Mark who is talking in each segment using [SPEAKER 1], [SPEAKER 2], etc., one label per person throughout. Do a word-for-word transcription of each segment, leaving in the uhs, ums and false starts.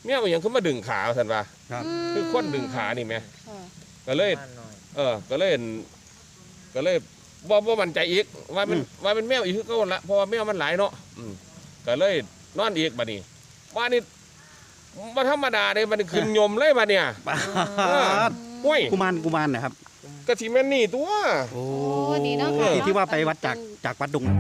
[SPEAKER 1] เมียมันยังขึ้นมาดึงขาสันว่าคือคนดึงขานี่ไหมก็เลยเออก็เลยก็เลยบ่บ่มั่นใจอีกว่ามันว่าเป็นแมวอีกคือก็ละเพราะว่าแมวมันหลายเนาะก็เลยนอนอีกบัดนี้ว่านี่มาธรรมดาเลยมันขึ้นยมเลยบัดเนี่ยห้วย
[SPEAKER 2] กุมารกุมารนะครับ
[SPEAKER 1] กะทิแม่นนี่ตัว
[SPEAKER 2] โอ้ดีเนาะที่ที่ว่าไปวัดจากจากวัดดง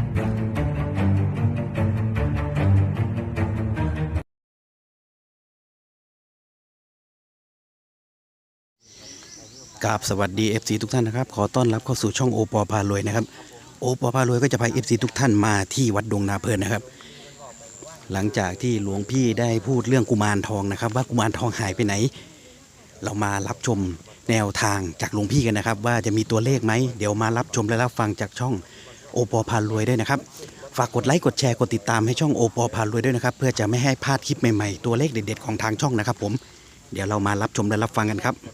[SPEAKER 2] กราบสวัสดี เอฟ ซี ทุกท่านนะครับขอต้อนรับเข้าสู่ช่องโอปอพารวยนะครับโอปอพารวยก็จะพา เอฟ ซี ทุกท่านมาที่วัดดงนาเพลินนะครับหลังจากที่หลวงพี่ได้พูดเรื่องกุมารทองนะครับว่ากุมารทองหายไปไหนเรามารับชมแนวทางจากหลวงพี่กันนะครับว่าจะมีตัวเลขไหมเดี๋ยวมารับชมและรับฟังจากช่องโอปอพารวยด้วยนะครับฝากกดไลค์กดแชร์กดติดตามให้ช่องโอปอพารวยด้วยนะครับเพื่อจะไม่ให้พลาดคลิปใหม่ๆตัวเลขเด็ดๆของทางช่องนะครับผมเดี๋ยวเรามารับชมและรับฟังกันครับ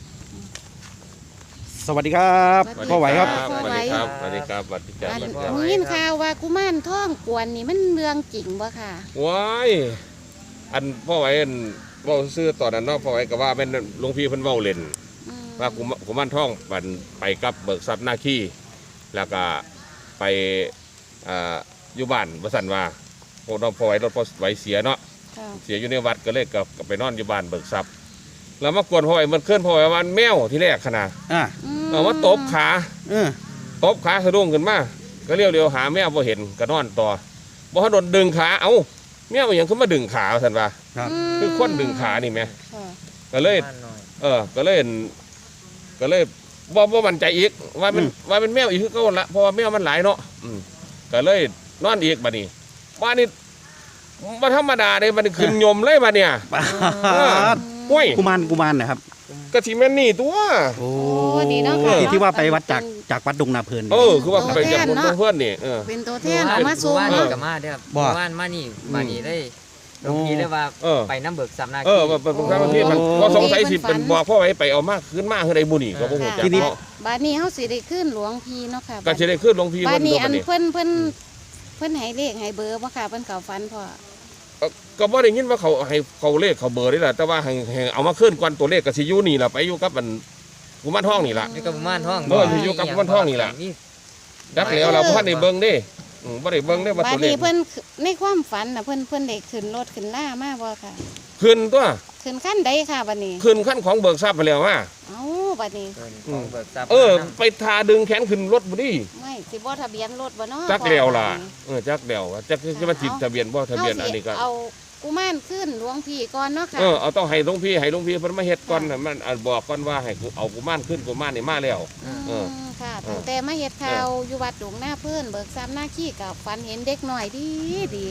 [SPEAKER 2] สวัสดีครับพ่อไหวครับ
[SPEAKER 1] สวัสดีครับสวัสดีครับสวัสดีครับ
[SPEAKER 3] มึงยินข่าวว่ากุมารทองกวนนี่มันเรื่องจริงบ่ค่ะ
[SPEAKER 1] ว้ายอันพ่อไหวอันเว้าซื้อตอนนั้นเนาะพ่อไหวก็ว่าเป็นหลวงพี่เพิ่นเว้าเล่นว่ากุมารทองบันไปกับเบิกทรัพย์หน้าขี้แล้วก็ไปอยู่บ้านบ่ซั่นว่าพวกน้องพ่อไหวรถพ่อไหวเสียเนาะเสียอยู่ในวัดก็เลยกับไปนอนอยู่บ้านเบิกทรัพย์แล้วมากวนพ่อไหวมันเคลื่อนพ่อไหววันแมวที่แรกขนาดเอามาตบขาตบขาสะดุ้งขึ้นมาก็เรียวเรียวหาแมวพอเห็นก็นอนต่อบ่เขาโดนดึงขาเอ้าแมวมันยังขึ้นมาดึงขาสันว่าคือคนดึงขานี่ไหมก็เลยเออก็เลยก็เลยบ่บ่มั่นใจอีกว่ามันว่าเป็นแมวอีกคือก็ละเพราะว่าแมวมันหลายเนาะก็เลยนอนอีกบัดนี้ว่านี่มาธรรมดาเลยมันขึ้นยมเลยบัดเนี่ยห้วย
[SPEAKER 2] กุมารกุมารนะครับ
[SPEAKER 1] กะทิแม่นนี่ตัว
[SPEAKER 2] โอ้ดีเนาะที่ที่ว่าไปวัดจากจากวัดดงนาเพลิน
[SPEAKER 1] เออคือว่าไปจากคนเพื่อนนี่เออ
[SPEAKER 3] เป็นตัวแทนเอามาส่ง
[SPEAKER 4] เนาะกับมาเด้อบ้านมานี่มานี่ได้หลวงพี่ได้ว่าไปน้ำเบิกสำนัก
[SPEAKER 1] เออเป็นพระที่มันก็สงสัยสิเป็นบอกพ่อไว้ไปเอามากขึ้นมากขึ้นในบุญนี่ก็บ่ฮู้จักเนาะ
[SPEAKER 3] บ้านนี้เฮาสิได้ขึ้นหลวงพี่เนาะค่ะ
[SPEAKER 1] ก็สิได้ขึ้นหลวงพี่
[SPEAKER 3] บ้านนี้อันเพิ่นเพิ่นเพิ่นให้เลขให้เบอร์บ่ค่ะเพิ่นเข้าฝันพ่อ
[SPEAKER 1] ก็บ่ได้ยินว่าเขาให้เขาเลขเขาเบอร์นี่แหละแต่ว่าให้เอามาขึ้นก่อนตัวเลขก็สิอยู่นี่ล่ะไปอยู่กับมันกุมารทองนี่ล่ะ
[SPEAKER 4] นี่กับกุมารทอง
[SPEAKER 1] เออสิอยู่กับกุมารทองนี่ล่ะดักแล้วเราบ่ทันได้เบิ่งเด้อือบ่ได้เบิ่งได้ว่าตัวเลข
[SPEAKER 3] บ้านนี้เพิ่นในความฝันน่ะเพิ่นเพิ่นได้ขึ้นรถขึ้นล่ามาบ่ค่ะ
[SPEAKER 1] ขึ้นตัว
[SPEAKER 3] ขึ้นขั้นใดค่ะบัดนี้
[SPEAKER 1] ขึ้นขั้นของเบิกทรัพย์ไปแล้วว่า
[SPEAKER 3] เอ้าบัดนี้
[SPEAKER 4] ของเบิกทรัพย์
[SPEAKER 1] เออไปทาดึงแขนขึ้นรถบ่ดิ
[SPEAKER 3] ไม่สิบ่ทะเบียนรถบ่เนาะ
[SPEAKER 1] จักแล้วล่ะเออจักแล้วจักจะมาติดทะเบียนบ่ทะเบียนอันนี้ก็
[SPEAKER 3] เอากุมารขึ้นหลวงพี่ก่อนเนาะค่ะ
[SPEAKER 1] เออเอาต้องให้หลวงพี่ให้หลวงพี่เพิ่นมาเฮ็ดก่อนมันบอกก่อนว่าให้เอากุมารขึ้นกุมารนี่มาแล้ว
[SPEAKER 3] เออค่ะตั้งแต่มาเฮ็ดข่าวอยู่วัดดงนาเพลินเบิกทรัพย์หน้าขี้กับฝันเห็นเด็กน้อยดีดี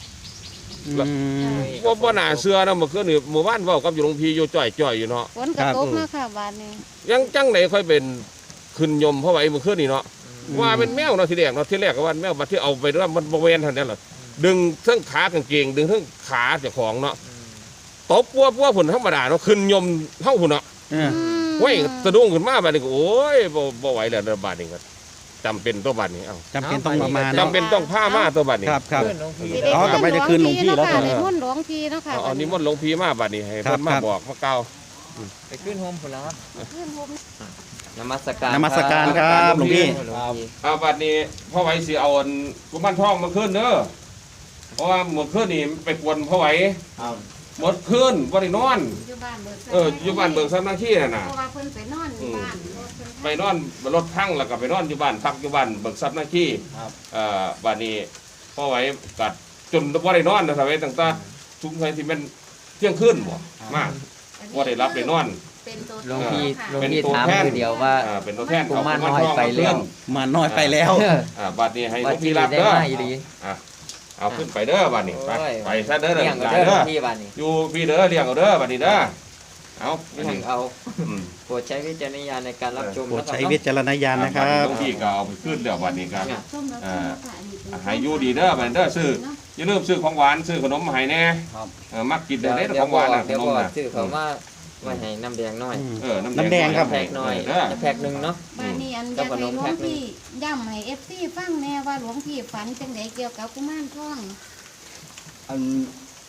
[SPEAKER 3] ว่าบ่น่าเชื่อนะเมื่อคืนนี่หมู่บ้านเว้ากับอยู่หลวงพี่อยู่จ่อยๆอยู่เนาะฝนกระตกเนาะค่ะบ้านนี้
[SPEAKER 1] ยังจังไหนค่อยเป็นขึ้นยมเพราะว่าเมื่อคืนนี่เนาะว่าเป็นแมวเนาะทีแรกเนาะทีแรกก็ว่าแมวบัดที่เอาไปแล้วมันบ่แม่นเท่านั้นล่ะดึงทั้งขากางเกงดึงทั้งขาเจ้าของเนาะตบปัวปัวผุนธรรมดาเนาะขึ้นยมเท่าผุนเนาะเว้ยสะดุ้งขึ้นมาบาดนี้โอ้ยบ่บ่ไหวแล้วบาดนี้ก็จำเป็นตัวบาดนี้เอ้า
[SPEAKER 2] จำเป็นต้องมา
[SPEAKER 1] จำเป็นต้องผ้ามาตัวบาดนี้
[SPEAKER 2] ครับครับอ๋อต่อไปจะคืนหลวงพี่แล้ว
[SPEAKER 3] นิมนต์หลวงพี่เนาะค่ะ
[SPEAKER 1] อ๋อนิมนต์หลวงพี่มาบาดนี้ให้เพิ่นมาบอกมาเก่า
[SPEAKER 4] ไปขึ้นโฮมพุ่นแล้ว
[SPEAKER 3] ขึ้นโฮม
[SPEAKER 4] นมัสการ
[SPEAKER 2] นมัสการครับหลวงพี่
[SPEAKER 1] เอาบาดนี้พ่อไหวสิเอากุมารทองมาขึ้นเด้อเพราะว่าหมดคืนนี่ไปกวนพ่อไหวหมดคืนบ่ได้นอนเอออยู่บ้านเบิกทรัพย์หน้าขี้น่ะนะ
[SPEAKER 3] เพราะว่าเพิ่นไปนอนอยู่บ้าน
[SPEAKER 1] ไปนอนรถพังแล้วก็ไปนอนอยู่บ้านพักอยู่บ้านเบิกทรัพย์หน้าขี้เอ่อบ้านนี้พ่อไหวกัดจนบ่ได้นอนนะสมัยต่างๆทุกวันที่มันเที่ยงคืนบ่มากบ่ได้รับได้นอน
[SPEAKER 4] หลวงพี่หลวงพี่ถามคือเดียวว่า
[SPEAKER 1] เป็นตัวแทน
[SPEAKER 4] ของกุมารน้อยไปแล้ว
[SPEAKER 2] มาน้อยไปแล้ว
[SPEAKER 1] อ่าบัดนี้ให้หลวงพี่รับเด้ออ่ะเอาขึ้นไปเด้อบัดนี้ไปไปซะเด้อเด้ออยู่พี่เด้อเลี้ยงเอาเด้อบัดนี้เด้อเอา
[SPEAKER 4] เลี้ยงเอาโปรดใช้วิจารณญาณในการรับชม
[SPEAKER 2] โปรดใช้วิจารณญาณนะครับ
[SPEAKER 1] หลวงพี่ก็เอาไปขึ้นแล้วบัดนี้ครับอ่าให้อยู่ดีเด้อบัดนี้เด้อซื้ออย่าลืมซื้อของหวานซื้อขนมมาให้แน่เออมักกินได้เด้อของหวานน่ะขนมน่ะ
[SPEAKER 4] ซื้อเขาว่าว่าให้น้ำแดงน้อย
[SPEAKER 1] เออ
[SPEAKER 2] น้ำแดงครับ
[SPEAKER 4] แพ็คน้อยจะแพ็คหนึ่งเนาะ
[SPEAKER 3] บ้านนี้อันจะให้หลวงพี่ย่ำให้เอฟซีฟังแน่ว่าหลวงพี่ฝันจังไดเกี่ยวกับกุมารทอง
[SPEAKER 5] อัน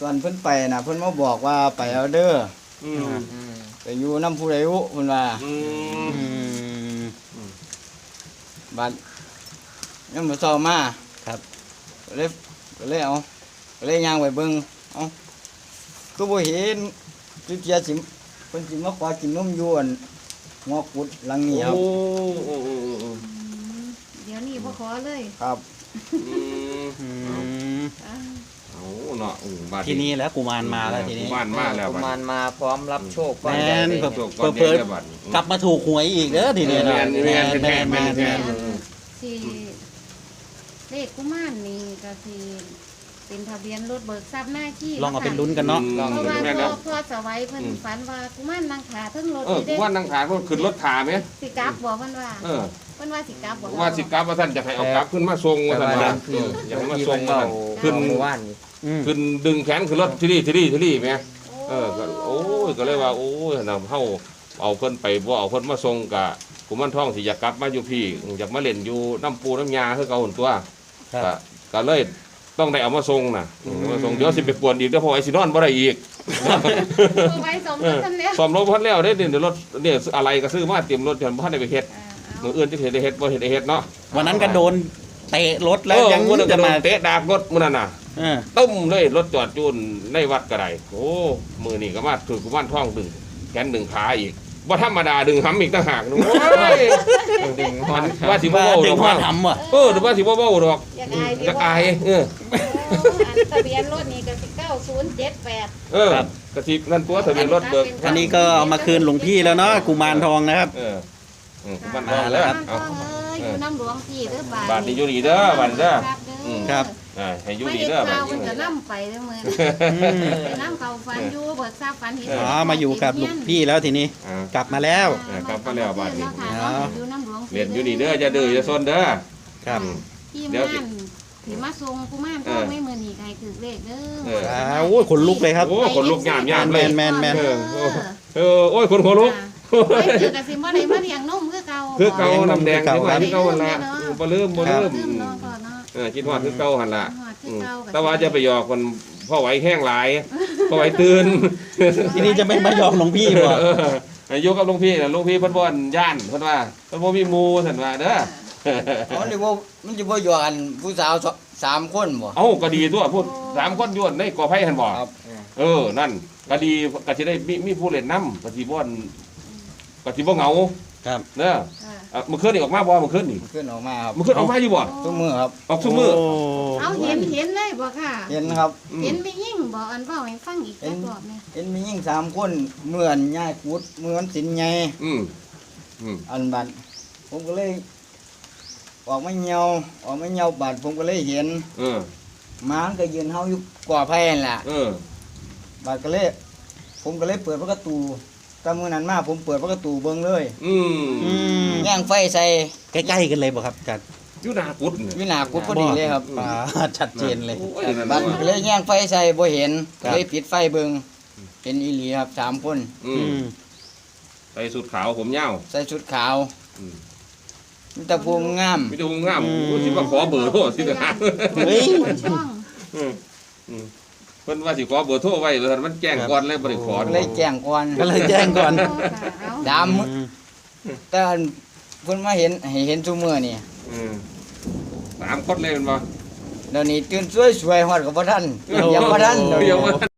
[SPEAKER 5] ตอนเพิ่นไปน่ะเพิ่นมาบอกว่าไปเอาเด้อ
[SPEAKER 1] อืม
[SPEAKER 4] อืม
[SPEAKER 5] ไปอยู่น้ำผู้ใดอุเพิ่นว่า
[SPEAKER 1] อืม
[SPEAKER 2] อืม
[SPEAKER 5] บัดยังบ่เช้ามา
[SPEAKER 2] ครับ
[SPEAKER 5] ก็เลยก็เลยเอาก็เลยย่างไปเบิ่งเอ้าคือบ่เห็นจุเจียสิเพิ่นสิมาขอกินนมอยู่อั่นหัวกุดหลังนี้ครับ
[SPEAKER 1] โอ้โอ้โอ้โอ้
[SPEAKER 3] อืมเดี๋ยวนี้บ่ขอเลย
[SPEAKER 5] ครับ
[SPEAKER 1] อืม
[SPEAKER 2] อืม
[SPEAKER 3] อ่า
[SPEAKER 1] เอาเนาะอืมบาด
[SPEAKER 2] ทีนี้แล้วกุมารมาแล้วทีนี้
[SPEAKER 1] กุมารมาแล้ว
[SPEAKER 4] กุ
[SPEAKER 1] บัด
[SPEAKER 4] มารมาพร้อมรับโชค
[SPEAKER 2] แม่น
[SPEAKER 4] ได้
[SPEAKER 1] จบก่อนเดี๋ยวจะบัด
[SPEAKER 2] กลับมาถูกหวยอีกเด้อทีนี้
[SPEAKER 1] แม่
[SPEAKER 2] นะ
[SPEAKER 1] นแม่นแม่นแม่นแม่น
[SPEAKER 3] สิเลขกุมารนี่ก็สิเป็นทะเบียนรถเบิกทรัพย์หน้าที่
[SPEAKER 2] ลองเอาเป็นลุ้นกันเนาะ
[SPEAKER 1] ลอง
[SPEAKER 3] เพราะว่า
[SPEAKER 1] แม่น
[SPEAKER 3] พ่
[SPEAKER 1] แล้
[SPEAKER 3] อ
[SPEAKER 1] ว
[SPEAKER 3] พ่อสวัยเพิ่นฝันว่ากุมารนางขาเทั้งรถ
[SPEAKER 1] เออ
[SPEAKER 3] นี่เด้
[SPEAKER 1] ว่านั่งขายก็ขึ้นรถถาไหม
[SPEAKER 3] สิกลับบ่เพิ่นว่า
[SPEAKER 1] เออ
[SPEAKER 3] เพิ่นว่าสิกลับบ่
[SPEAKER 1] ว่าสิกลับว่าท่านจะให้เอากลับขึ้นมาทรงว่าท่านว่าเอออยากให้มาทรงว่าท่าน
[SPEAKER 4] ขึ้
[SPEAKER 1] ขึ้
[SPEAKER 4] น
[SPEAKER 1] น
[SPEAKER 4] เมื่อวานนี่
[SPEAKER 2] อืม
[SPEAKER 1] ขึ้นดึงแขนขึ้นรถที่นี่ที่นี่ที่นี่ไหมเออก็โอ้ยก็เลยว่าโอ้ยนำเฮาเอาเพิ่นไปบ่เอาเพิ่นมาทรงกะกุมารทองสิอยากกลับมาอยู่พี่อยากมาเล่นอยู่น้ำปูน้ำยาคือเก่าหั่นตัว
[SPEAKER 2] ครับ
[SPEAKER 1] ก็ก็เลยต้องได้เอามาทรงน่ะเอามาทรงเดี๋ยวสิไปกวนอีกเดี๋ยวพอไอ้สินอนบ่ได้อีก
[SPEAKER 3] เอาไว้สมรสกันแล้ว
[SPEAKER 1] สอมรถพันแล้วเด้เดี๋ยวรถเนี่ยอะไรก็ซื้อมาเตรียมรถจนบ่ทันได้ไปเฮ็ด
[SPEAKER 3] อ่าเอา
[SPEAKER 1] มื้ออื่นจะเฮ็ดได้เฮ็ดบ่เฮ็ดได้เฮ็ดเนาะ
[SPEAKER 2] วันนั้นก็โดนเตะรถแล้ว
[SPEAKER 1] เออ
[SPEAKER 2] ยัง
[SPEAKER 1] มื้อนั้นก็
[SPEAKER 2] จะ
[SPEAKER 1] โด
[SPEAKER 2] มาน
[SPEAKER 1] เตะดากรถมื้อนั้นน่ะ
[SPEAKER 2] เออ
[SPEAKER 1] ตุ้มเลยรถจอดจูนในวัดก็ได้โอ้มื้อนี้ก็มาถูกกุมารทองดึงแขนดึงขาอีกบ่ธรรมดาดึงหำอีกต่างหากนึงโอ้ย
[SPEAKER 4] ดึงฮอน
[SPEAKER 1] ว่าสิบ่
[SPEAKER 2] ว่า
[SPEAKER 1] เว้า
[SPEAKER 2] ถึ
[SPEAKER 1] ด
[SPEAKER 2] ง
[SPEAKER 1] อก
[SPEAKER 2] พ่อ
[SPEAKER 1] ว่า
[SPEAKER 2] ทำว่ะ
[SPEAKER 1] เออหรือว่าสิบ่เว้าดอก
[SPEAKER 3] อยากอายดี
[SPEAKER 1] จักอายเออ
[SPEAKER 3] โอ้อันทะเบียนรถนี่ก็สิเก้าศูนย์เจ็ดแปด
[SPEAKER 1] เออกระสินั่นตัวทะเบียนรถเบิก
[SPEAKER 2] อันนี้ก็เอามาคืนหลวงพี่แล้วเนาะกุมารทองนะครับ
[SPEAKER 1] เอออืมกุมารทองแล้ว
[SPEAKER 3] กุมารท
[SPEAKER 1] เอา
[SPEAKER 3] องเอ้ยอยู่น้ำหลวงพี่เด้อบาท
[SPEAKER 1] บาทนี่อยู่นี่เด้อบัดเด้อ อืม
[SPEAKER 2] ครับ
[SPEAKER 1] อ่าให้อยู่
[SPEAKER 3] ไม่
[SPEAKER 1] นี่
[SPEAKER 3] เห็น
[SPEAKER 1] เด้อบั
[SPEAKER 3] ข่า
[SPEAKER 1] ด
[SPEAKER 3] ว
[SPEAKER 1] นี้
[SPEAKER 3] มันจะนำไปเด้อมื้อ
[SPEAKER 2] อืม
[SPEAKER 3] ไปนำเขาฝันอยู่เบิกทราบฝันเห็น
[SPEAKER 2] อ๋อมาอยู่กับหลวงพี่แล้วทีนี้
[SPEAKER 1] อ่า
[SPEAKER 2] กลับมาแล้ว
[SPEAKER 1] เออกลับมาแล้วบาทนี้
[SPEAKER 3] เนาะอยู่น้ำหลวง
[SPEAKER 1] เรียนอยู่นี่เด้อจะดื้อจะซนเด้อ
[SPEAKER 2] ครับ
[SPEAKER 3] พี่
[SPEAKER 1] เดี๋ยว
[SPEAKER 3] ม่านถือมาทรงกุมารทองไม่มื้อนี้ใครถือเลขเด้
[SPEAKER 1] เอ
[SPEAKER 3] อ
[SPEAKER 1] อ
[SPEAKER 2] อ้าวโอ้ยขนลุกเลยครับ
[SPEAKER 1] โอ้ขนลุกยามยามเลย
[SPEAKER 2] แมนแมน
[SPEAKER 1] เออโอ้เออโอ้ยคนหัวลุก
[SPEAKER 3] ไม่ถือกระสิบ่ได้มาเลี้ยงนมคือเก่า
[SPEAKER 1] คือเก่า
[SPEAKER 2] บ่
[SPEAKER 1] น้ำแดง
[SPEAKER 2] คือ
[SPEAKER 1] ที่
[SPEAKER 2] เก่า
[SPEAKER 1] ว่าที่เก่าหั่นละบ่ลืมบ่ลืม
[SPEAKER 3] ลืมเนาะพ่อเนาะ
[SPEAKER 1] เออคิดฮอดคือเก่าหั่นละ
[SPEAKER 3] ฮอดคื
[SPEAKER 1] อื
[SPEAKER 3] อ
[SPEAKER 1] ม
[SPEAKER 3] เก่า
[SPEAKER 1] แต่ว่าจะไปหยอกคนพ่อไหวแห้งหลายพ่อไหวตื่น
[SPEAKER 2] ทีนี้จะไม่มายอมหลวงพี่บ่
[SPEAKER 1] เอออยู่กับหลุงพี่น่ะหลุงพี่เพิ่นบ่อนย่านเพิ่นว่าเพิ่นบ่มีหมู่ซั่นว่าเด้อ
[SPEAKER 5] เอานี่ว่ามันจะบ่อยู่กันผู้สาวสสามคนบ่
[SPEAKER 1] เอ้าก็ดีตัวพูดสามคนอยู่ในกอไผ่หั่นบ่
[SPEAKER 5] ครับ
[SPEAKER 1] เออนั่นก็ดีก็สิได้มีมีผู้เล่นนำก็สิบ่อนก็สิบ่เหงา
[SPEAKER 2] ครับ
[SPEAKER 1] เด้อ
[SPEAKER 3] ค่ะ
[SPEAKER 1] อ่ะมื้อคืนนี่ออกมาบ่มื้อคืนนี่
[SPEAKER 5] ขึ้นออกมาครับ
[SPEAKER 1] มื้อคืนออกมาอยู่บ่
[SPEAKER 5] ทุกมือครับ
[SPEAKER 1] ออกทุกมื้อ
[SPEAKER 2] โ
[SPEAKER 3] เอาเห็นเห็นเลยบ่ค่ะ
[SPEAKER 5] เห็นครับ
[SPEAKER 1] อืม
[SPEAKER 3] เห็นไปยิ่งบ่อันเว้าให้ฟังอีกจักรอบเนี่ย
[SPEAKER 5] เห็นมียิ่งสามคนเหมือนย่ายกุดเหมือนสินใหญ่
[SPEAKER 1] อืมอืม
[SPEAKER 5] อันบัดผมก็เลย ออกมาเหี่ยวออกมาเหี่ยวบัดผมก็เลยเห็น
[SPEAKER 1] เออ
[SPEAKER 5] หมามันก็ยืนเฮาอยู่ก่อไผ่นั่นล่ะ
[SPEAKER 1] เออ
[SPEAKER 5] บัดก็เลย ผมก็เลยเปิดประตูตามมือนั้นมาผมเปิดประตูเบิ่งเลย
[SPEAKER 1] อืม
[SPEAKER 2] อืม
[SPEAKER 5] ย่างไฟใส่
[SPEAKER 2] ใกล้ๆกันเลยบ่ครับอาจารย์
[SPEAKER 1] อยู่หน้ากุดนี่
[SPEAKER 5] วินากุดพอดีเลยครับ
[SPEAKER 2] อ่าชัดเจนเลย
[SPEAKER 1] โอ้ยนั่น
[SPEAKER 5] บั
[SPEAKER 1] น่ะ
[SPEAKER 5] ดก็เลยย่างไฟใส่บ่เห็น
[SPEAKER 2] ครั
[SPEAKER 5] ก็
[SPEAKER 2] บ
[SPEAKER 5] เลยปิดไฟเบิ่งเห็นอีหลีครับสามคน
[SPEAKER 1] อื
[SPEAKER 2] อื
[SPEAKER 1] ม
[SPEAKER 2] ม
[SPEAKER 1] ใส่สุดขาวผมยาว
[SPEAKER 5] ใส่ชุดขาว
[SPEAKER 1] อืม
[SPEAKER 5] มีแต่ภูมิงาม
[SPEAKER 1] มีแต่วงงามโอ้ยสิมาขอเบอร์โทรสิเด้อ
[SPEAKER 2] เฮ้ย
[SPEAKER 3] ช่อง
[SPEAKER 1] อืมอืมเพิ่นว่าสิขอเบอร์โทรไว้เพิ่นมันแจ้งก่อนเลยบ่ได้ขอ
[SPEAKER 5] เลยแจ้งก่อน
[SPEAKER 2] ก็เลยแจ้งก่อน
[SPEAKER 3] เอา
[SPEAKER 5] ดาม
[SPEAKER 2] อืม
[SPEAKER 5] แต่อันเพิ่นมาเห็นให้เห็นซุมื้อนี่
[SPEAKER 1] อืมสามคนเลยแมันบ่
[SPEAKER 5] เดี๋ยวนี้ตื่นสวยๆฮอดกับบ่ทันเดี๋ยวบ่ทันเดี๋ยว
[SPEAKER 1] เดี๋ยว
[SPEAKER 5] นี้
[SPEAKER 1] ว่า